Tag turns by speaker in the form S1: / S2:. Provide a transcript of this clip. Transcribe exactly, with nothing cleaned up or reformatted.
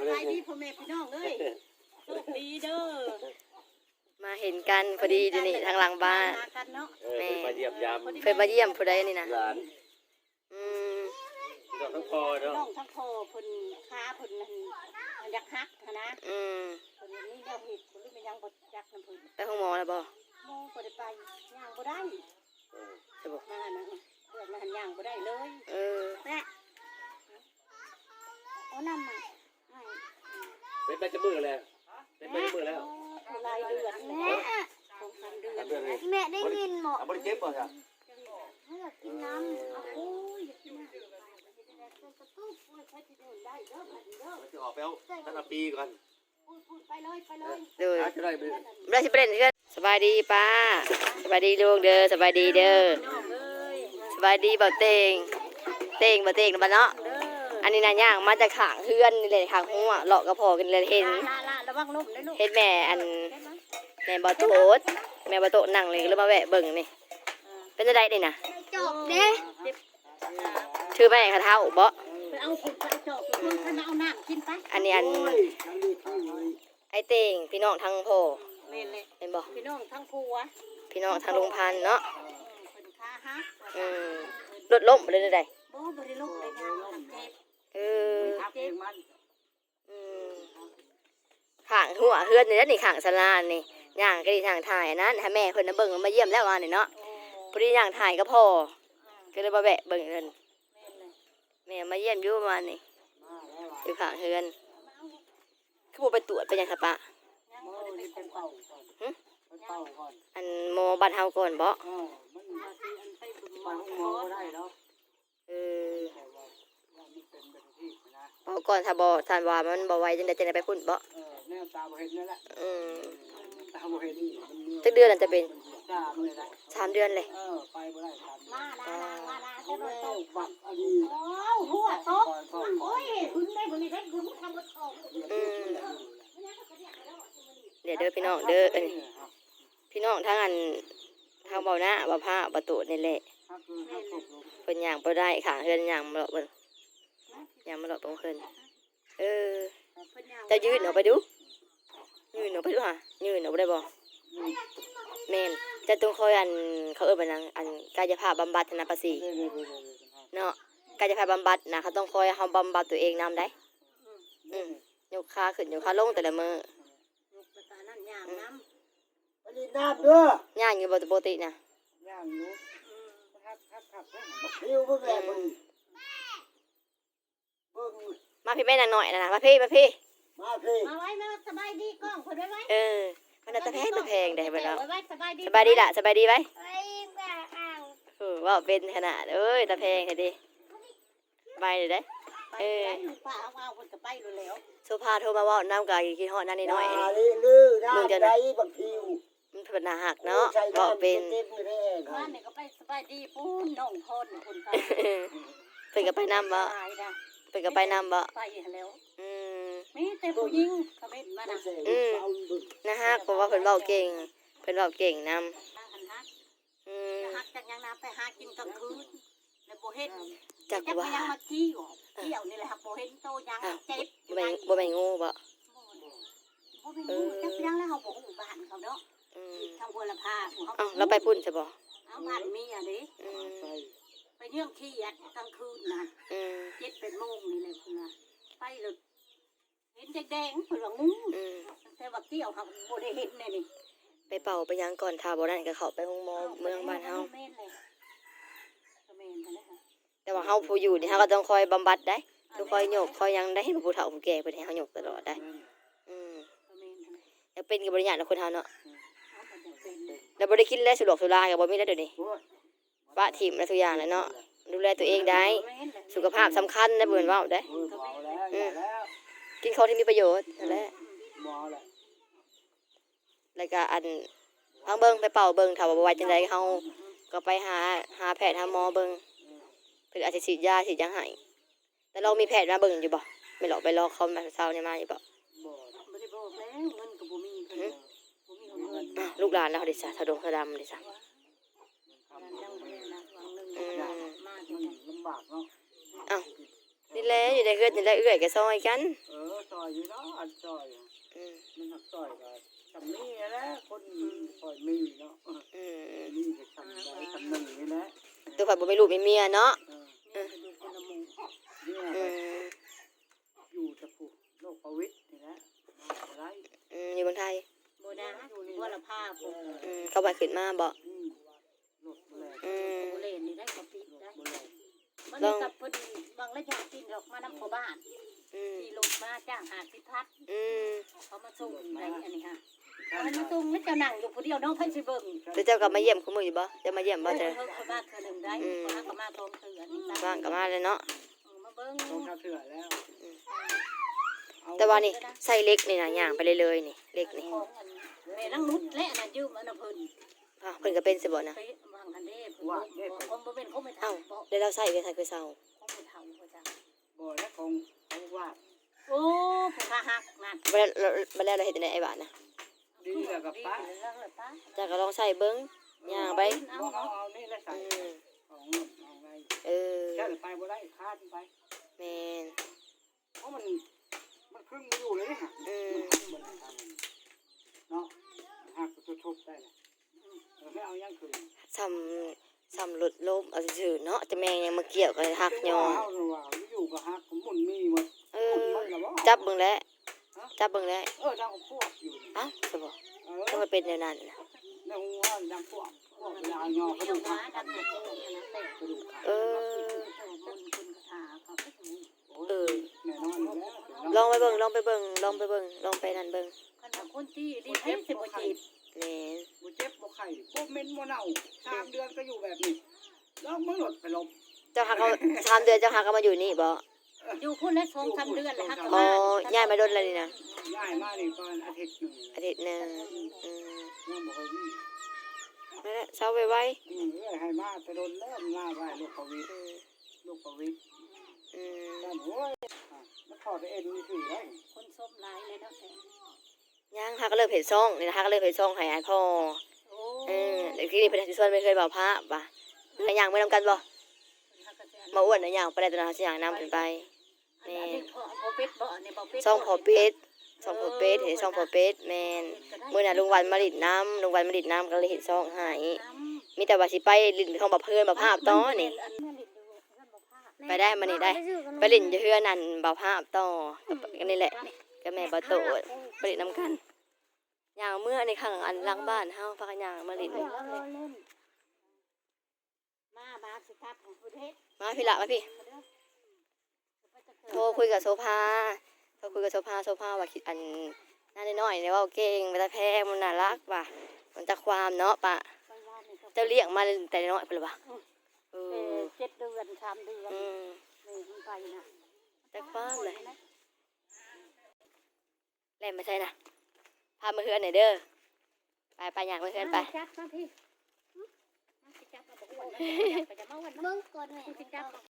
S1: บายดีพ่อแม่พี่น้องเอ้ยโชคดีเด้อ
S2: มาเห็นกันพอดีอยู่นี่ทางหลังบ้าน
S3: แม่มาเยี่ยมยาม
S2: เคยมาเยี่ยมผู้ใดนี่นะอืม
S3: น้องทั้งพอเนาะ
S1: น้องทั้งพอเพิ่นค้าเพิ่นนั่นอยากฮักนะ
S2: อืม
S1: เพิ่นนี่แนวเฮ็ดเพิ่นรู้มันยังบ่จักนำเพิ่น
S2: ไปห้องหมอแล้วบ่
S1: หมอบ่ได้ไปย่างบ่ได้
S2: ใช่บ่
S1: มานะเพิ่นมาหันย่างบ่ได้เลย
S2: เออ
S1: แม่เอานำมาให้
S3: เป็นไปจะมือแล้วเป็นไปจะมือแล้ว
S1: รายเดือนแม่สองสามเดือน
S4: แม่ได้ยินหมด
S3: บ่ได้เจ็บบ่จ้ะ
S4: อยากกินน้ำ
S1: โอ้ยอยากกินน้ำกระตุ้นโอ้ยใช้ที่เดินได้เด้อบัดนี้เด้อ
S3: จะออกไปเอาตั้งแต่ปีก่อน
S1: พูดไปเลยไปเลย
S2: เด้อ
S3: จะได้ไป
S2: ได้สิไปเล่นเพื่อนสบายดีป้าสบายดีลูกเด้อสบายดีเด้อสบายดีบ่เต็งเต็งบ่เต็งบ่เนาะอันนี้น่ะย่างมาจากข้างเฮือนนี่เลยข้างหัวเลาะกระเพาะกันเลยเห็น
S1: ระวังล้มนะลูก
S2: เห็นแม่อันแม่บ่โตดแม่บ่โตนั่งเลยแล้วมาแวะเบิ่งนี่เป็นจังได๋นี่น่ะ
S4: จบเด้
S2: ชื่อแม่เขาเฒ่าบ่
S1: ไปเอาขุดไปจอกคุณท่านเอาน้ำกินไป
S2: อันนี้อันไอ้เต็งพี่น้องทั้งพ่อ
S1: แม่นเลย
S2: เห็นบ่
S1: พี่น้องทั้งผัว
S2: พี่น้องทั้งลุงพันธุ์เนาะ
S1: เพิ่นค้าฮัก
S2: อืมรถล้มเลยได้
S1: บ่บ่ได้ล้มเลยนะเจ็บ
S2: เออ
S1: เจ็บมัน
S2: อืมข้างหัวเฮือนนี่แล้วนี่ข้างศาลานี่ย่างก็ดีทางถ่ายอันนั้นให้แม่เพิ่นน่ะเบิ่งมาเยี่ยมแล้วว่านี่เนาะพอดีย่างถ่ายก็พอก็เลยมาแวะเบิ่งเพิ่นแม่มาเยี่ยมอยู่ประมาณนี้อยู่ข้างเฮือนคือบ่ไปตรวจไปยังครับป้าอันหมอบ้านเฮาก่อนบ่เออเป่าก่อนถ้าบ่ท่านว่ามันบ่ไหวจังได๋จังได๋ไปพุ่นบ่
S5: เออแนวตาบ่เห็นนั่นแหละ
S2: อืม
S5: ตาบ่เห็นนี่มัน
S2: จักเดือนนั่นจะเป็น
S5: สามเลยนะ
S2: สามเดือนเลย
S5: เออไปบ่ได้สาม
S1: มาดามาดาเจ้าโต
S5: บักอันนี้
S1: โอ้หัวตกโอ้ยหึงได้บ่นี่ได้หึงทำบ่ตก
S2: อืมเดี๋ยวเด้อพี่น้องเด้อเอ้ยพี่น้องทางอันทางเบาหน้าบ่ผ้าบ่โตนี่แหละเพิ่นย่างบ่ได้ค่ะเฮือนย่างบ่เบิ่งย่างบ่ตรงเพิ่นเออจะยืนออกไปดูยืนออกไปดูห่ายืนออกไปได้บ่แม่นจะต้องคอยอันเขาเอิ้นว่าหยังอันกายภาพบำบัดนะภาษีเนาะกายภาพบำบัดนะเขาต้องคอยเฮาบำบัดตัวเองนำได้อืมยกขาขึ้นยกขาลงแต่ละมื้อย
S1: กไปตานั่นย่างน้ำ
S5: อันนี้น้ำเด้
S2: อย่างอยู่บ่ปกตินะ
S5: ย่างอยู่คักๆๆบักหิวเบิ่งแลเบิ่งเบิ่ง
S2: มาพี่แม่นางน้อยนะมาพี่มาพี่
S5: มาพี่
S1: มาไว้มาสบายดีกล้องเพิ่นไว้ไว้
S2: เออมันน่ะตะแพงตะแพงได้บ่เนาะ
S1: ไว้สบายดี
S2: สบายดีล่ะสบายดีไว้
S4: ไปแบบอ่าง
S2: เออว่าเป็นขนาดเอ้ยตะแพงแท้ดิไปเลยเด้
S1: เออป้าเอาเอาเพิ่นก็ไปแล้ว
S2: โซฟาโทรมาเว้านำก็คิดฮอดนั่นน้อยๆ
S5: นี่ลือน้ำใจบักหิว
S2: มันเพิ่นน่าฮักเนาะเว้าเป็น
S1: บ้านนี่ก็ไปสบายดีปูนน้องพรคนไป
S2: เพิ่นก็ไปนำบ่เพิ่นก็ไปนำบ่
S1: ไปแล้ว
S2: อืม
S1: มีแต่ผู้หญิงเขาเป็นมานะ
S2: อืมนะฮักเพราะว่าเพิ่นเว้าเก่งเพิ่นเว้าเก่งนำอืม
S1: ฮักจักยังน้ำไปหากินกลางคืนแล้วบ่เห็น
S2: จักว่า
S1: ยังมาขี้อยู่เที่ยวนี่แหละครับบ่เห็นโตยังเจ็บ
S2: บ่แม่นบ่แม่นงูบ่
S1: บ่เป็นงูจักยังแล้วเฮาบ่ฮู้บ้านเขาเนาะ
S2: อืม
S1: ทางบัวลำพาของเฮา
S2: อ้าวแล้วไปพุ่นใช่บ่
S1: เอาบ้านมีอ่ะดิ
S2: อืม
S1: ไปเยี่ยมขี้อ่ะกลางคืนน่ะ
S2: อืม
S1: เจ็ดเป็นโมงนี่แหละพุ่นน่ะไปเลยเห็นแดงๆเพิ่นว่างู
S2: อืม
S1: แต่ว่าเกี่ยวเฮาบ่ได้เห็นนี่นี่
S2: ไปเป่าไปยังก่อนถ้าบ่นั่นก็เข้าไปโรงหมอเมืองบ้านเฮาแต่ว่าเฮาผู้อยู่นี่เฮาก็ต้องคอยบำบัดได้ต้องคอยโยกคอยยังได้ให้ผู้เฒ่าผู้แก่เพิ่นให้เฮาโยกตลอดได้อืมแล้วเป็นก็บ่ได้ยากนะคนเฮาเนาะแล้วบ่ได้กินแล้วสุรอกสุราก็บ่มีแล้วเดี๋ยวนี้ปะถิ่มแล้วทุกอย่างแล้วเนาะดูแลตัวเองได้สุขภาพสำคัญนะเพิ่นเว้าได้อืมกินของที่มีประโยชน์นั่นแหละแล้วก็อันพังเบิ่งไปเป่าเบิ่งถ้าว่าบ่ไหวจังได๋เฮาก็ไปหาหาแพทย์หาหมอเบิ่งเพิ่นอาจสิฉีดยาฉีดหยังให้แต่เรามีแพทย์มาเบิ่งอยู่บ่ไม่หรอกไปรอเขามาเช้านี่มาอยู่บ่
S1: บ่บ่ได้บอกแล้วเงินก็บ่มีเพิ่นบ่มีเงิน
S2: ลูกหลานเราดิซะถ้าดงถ้าดำดิซะ
S5: ลำบากเนาะ
S2: อ้าวนี่แหละอยู่ในเฮือนนี่แหละเอื้อยก็ซอยกัน
S5: เออซอยอยู่เนาะอันซอย
S2: อืม
S5: มันหักซอยก็ทำนี่แหละคนซอยมีเนาะ
S2: อืม
S5: นี่ก็ทำได้ทำหนึ่งนี่แหละ
S2: ตัวผัดบ่มีลูกมีเมียเนาะ
S5: เออ
S1: เนี่ยจะดูคนละมุม
S5: เนี่ย
S2: อืม
S5: อยู่ตะปูโลกประวิตรนี่แหละอะไร
S2: อืมอยู่เมืองไทย
S1: โบนะว่าละผ้าผม
S2: อืมเขาบ่ขึ้นมาบ่
S5: อืมโลกแหลก
S2: อืม
S1: โบเลนนี่ได้กระปิดได้
S5: โบแหลก
S1: มันกับพอดีบางระยะกินดอกมานำพ่อบ้าน
S2: อืม
S1: ที่ลงมาจ้างหาสิพัด
S2: อืม
S1: เขามาส่งในอันนี้ค่ะเขามาส่งแล้วเจ้านั่งอยู่ผู้เดียวน้องเพิ่นสิเบิ่ง
S2: แล้วเจ้าก็มาเยี่ยมคุมื้ออยู่บ่จะมาเยี่ยมบ่เจ้า
S1: เพิ่นเขามาเทื่อหนึงได้เขาก็มาพร้อมเทื่อนี่
S2: บ้างก็มาเลยเนาะ
S1: มาเบิ่ง
S5: ต้องข้าวเถื่อแล้วเอา
S2: แต่ว่านี่ใส่เล็กนี่นะย่างไปเลยเลยนี่เล็กนี่
S1: ของอันแม่ลังนุดและอันนั้นยืมอันนั้นเพิ่น
S2: อ้าวเพิ่นก็เป็นสิบ่นะ
S1: ไปวางอันเด้เพิ่นบ่บ่เป็นเขาไม่
S2: เอ้า
S1: ทำบ่
S2: แล้วเราใส่ไปใส่คือเซา
S1: เขาไม่ทำว่าจัง
S5: บ่อและของเขาวาด
S1: โอ้ผู้ค้าหักนั่น
S2: บ่แล้วบ่แล้วเราเฮ็ดจังได๋ไอ้บ้านน่ะ
S5: ดีแล้วกับป้า
S1: ดีแล้วล่ะป้า
S2: เจ้าก็ลองใส่เบิ่งย่างไป
S5: เอาเอาเอานี่แหละใส่
S2: อืม
S5: ของเอาไง
S2: เออ
S5: แค่ไปบ่ได้คาดไป
S2: แม่น
S5: เพราะมันมันครึ่งไม่อยู่เลยฮะ
S2: อืม
S5: มันทางเนาะหักตัวทบได้เลยเราไม่เอายังคืน
S2: ซ้ำซ้ำรถล้มเอาซื่อๆเนาะจะแม่งยังมาเกี่ยวกับหักยอ
S5: เอาหรือว่าอยู่กับหักผมหมุนมีหมด
S2: เออจับเบิ่งแล้วจับเบิ่งแล้ว
S5: เออดังพวกอยู่
S2: เอ้าซะบ่
S5: เอ
S2: ก็
S5: อ
S2: มาเป็นแนวนั้นน่ะ
S5: ดังหัวดังพวกพวกยาวยอกระ
S1: เดี๋
S5: ดู
S1: ยว
S5: ก
S1: มา
S5: หัก
S1: ดันตัวโตนะแต่
S5: กระดูกหัก
S2: เออ
S1: บนคุณคาเขาก็ถูก
S5: เออแน่นอนแล้ว
S2: ลองไปเบิ่งลองไปเบิ่งลองไปเบิ่งลองไปนั่นเบิ่ง
S1: คันว่าคนที่รีบให้สิบ่จีบ
S2: แม่น
S5: บ่เจ็บบ่ไข้บ่เหม็นบ่เน่าสามเดือนก็อยู่แบบนี้แล้วมึงหลดไปลบ
S2: เจ้าหักเอาสามเดือนเจ้าหักเอามาอยู่นี่บ่
S1: อยู่พุ่นแล้วสองสามเดือนแล้วฮัก
S2: อ๋อย่ายมาโดนแล้วนี่นะ
S5: ย้ายมานี่ก่อนอาทิตย์หนึง
S2: อาทิตย์หนึงอืม
S5: ยังบ่เคยมี
S2: นั่นแหละเช้าไว้
S5: อืมเอ้ยให้มาแต่โดนแล้วมาไว้ลูกประวิตร
S2: ๆอืม
S5: ลูกประวิตร
S2: อืม
S5: แต่โอ้ยอ่ะมันถอดเอ็นนี่ถือได้
S1: คนส้มหลายเลยเนาะแต่
S2: ย่างหักก็เลิกเผ็ดซ่องนี่นะหักก็เลิกเผ็ดซ่องให้อ้ายพ่อ
S1: โอ้
S2: เออเดี๋ยวที่นี่เพิ่นสิชวนไปเคยบอกพระป่ะไปย่างไปนํกันบ่มาอ้วนน่ะย่างไปได้ตัวนั้นสิย่างนำเพิ่นไป
S1: อันนี้พอพอเป็ดบ่อันนี้บ่เป็ด
S2: ซ่องพอเป็ดซ่องพอเป็ดเห็นซ่องพอเป็ดแม่นมื้อน่ะลุงวันมาดิดน้ำลุงวันมาดิดน้ำก็เลยเฮ็ดซ่องให้มีแต่ว่าสิไปลิ้นของบ่เพิ่นบ่ภาพต่อนี่ ไปได้มานี่ได้ ไปเล่นอยู่เฮือนั่นบ่าวภาพต่อก็นี่แหละก็แม่บ่โตดไปเล่นนํกันย่างเมื่อในข้างอันหลังบ้านเฮาพากันย่างมาเล่น
S1: มาบาสิครับของประเทศ
S2: มาพี่ละมาพี่โทรคุยกับโซภาโทรคุยกับโซภาโซภาว่าคิดอันน่าน้อยๆเนี่ยว่าเก่งมันจะแพงมันน่ารักว่ะมันจะความเนาะปะเจ้าเลี้ยงมาแต่น้อยเปล่าวะเออ
S1: เจ็ดเดือนสามเดือน
S2: อืม
S1: นี่มันไปนะ
S2: แต่ความเลยแล่นมาใช่นะพามาเฮือนหน่อยเด้อไปไปอยากมาเฮือนไป
S1: จับมาพี่จับมาบอกว่าไปจะมาวัน
S4: เบิ่งก่อนแม่
S1: จับ